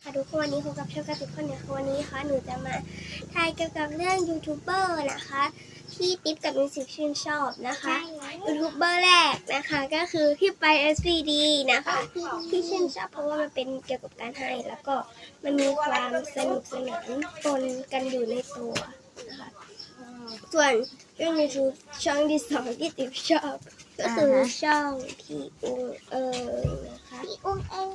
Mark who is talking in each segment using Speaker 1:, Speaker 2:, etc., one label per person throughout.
Speaker 1: ค่ะทุกคนวันนี้พบกับช่องการ์ตูนคนเนี่ยวันนี้ค่ะหนูจะมาถ่ายเกี่ยวกับเรื่องยูทูบเบอร์นะคะที่ติ๊บกับมิวสิกชื่นชอบนะคะยูทูบเบอร์แรกนะคะก็คือพี่ไป SVD นะคะที่ชื่นชอบเพราะว่ามันเป็นเกี่ยวกับการให้แล้วก็มันมีความสนุกสนานปนกันอยู่ในตัวนะคะส่วนเรื่อง YouTube ช่องที่สองที่ติ๊บชอบก็คือช่องพี่อุ้งนะคะพี่อุ้ง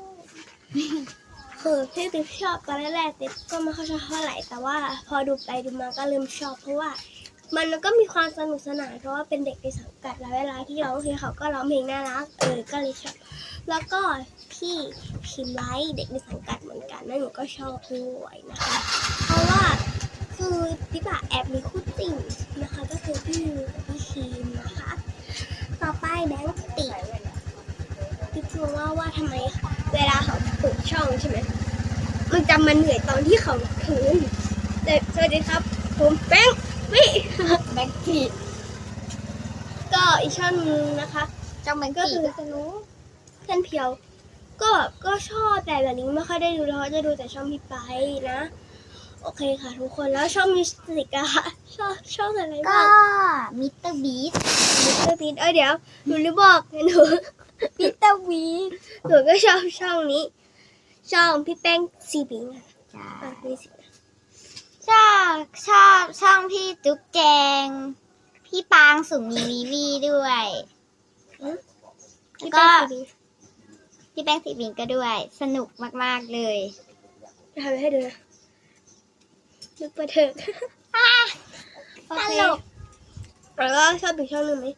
Speaker 1: คือที่ติ๊บชอบตอนแรกๆติ๊บก็ไม่ค่อยชอบเท่าไหร่แต่ว่าพอดูไปดูมาก็เริ่มชอบเพราะว่ามันก็มีความสนุกสนานเพราะว่าเป็นเด็กในสังกัดแล้วเวลาที่ร้องเพลงเขาก็ร้องเพลงน่ารักก็เลยชอบแล้วก็พี่พิมไลท์เด็กในสังกัดเหมือนกันนั่นหนูก็ชอบด้วยนะคะเพราะว่าคือติ๊บแอบมีคู่ติ่งนะคะก็คือพี่ยูกับพี่คิมนะคะต่อไปแบงค์ติติ๊บรู้ว่าทำไมเวลาเขาเปิดช่องใช่ไหมมันจะมันเหนื่อยตอนที่เขาถือสวัสดีครับผมแบงค์ติก็อีกช่องนึงนะคะช่องแบงค์ก็คือสนุกเพื่อนเพียวก็ชอบแต่แบบนี้ไม่ค่อยได้ดูแล้วจะดูแต่ช่องพี่ไปนะโอเคค่ะทุกคนแล้วช่องมิวสิกอะชอบอะไรบ้าง
Speaker 2: ก็มิสเตอร์บีส
Speaker 1: เดี๋ยวหนูลืมบอกหนู
Speaker 2: มิสเตอร์บีส
Speaker 1: หนูก็ชอบช่องนี้ช่องพี่แป้งซีบิง
Speaker 2: ชอบช่องพี่จุ๊บแจงพี่ปางสุมีวีด้วยแล้วก็พี่แป้งสีบิงก็ด้วยสนุกมากๆเลย
Speaker 1: ทำให้ดูนะนึกไปเถอะ
Speaker 2: ตลก
Speaker 1: แล้วก็ชอบอีกช่องนึงไหม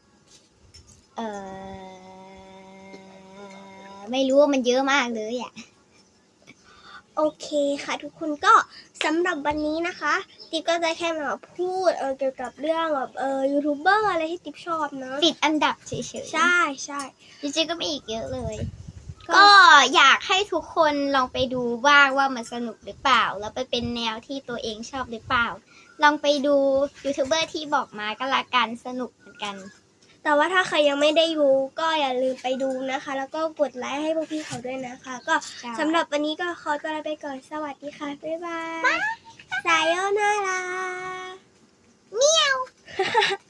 Speaker 2: ไม่รู้ว่ามันเยอะมากเลยอ่ะ
Speaker 1: โอเคค่ะทุกคนก็สำหรับวันนี้นะคะติ๊บก็จะแค่มาพูดเกี่ยวกับเรื่องแบบยูทูบเบอร์อะไรที่ติ๊บชอบนะ
Speaker 2: ติดอันดับเฉยๆ
Speaker 1: ใช่
Speaker 2: จริงๆก็มีอีกเยอะเลยก็อยากให้ทุกคนลองไปดูบ้างว่ามันสนุกหรือเปล่าแล้วไปเป็นแนวที่ตัวเองชอบหรือเปล่าลองไปดูยูทูบเบอร์ที่บอกมาก็ละกันสนุกเหมือนกัน
Speaker 1: แต่ว่าถ้าใครยังไม่ได้ดูก็อย่าลืมไปดูนะคะแล้วก็กดไลค์ให้พวกพี่เขาด้วยนะคะก็สำหรับวันนี้ก็ขอตัวลาไปก่อนสวัสดีค่ะบ๊ายบายสายโยนารา
Speaker 2: เมียว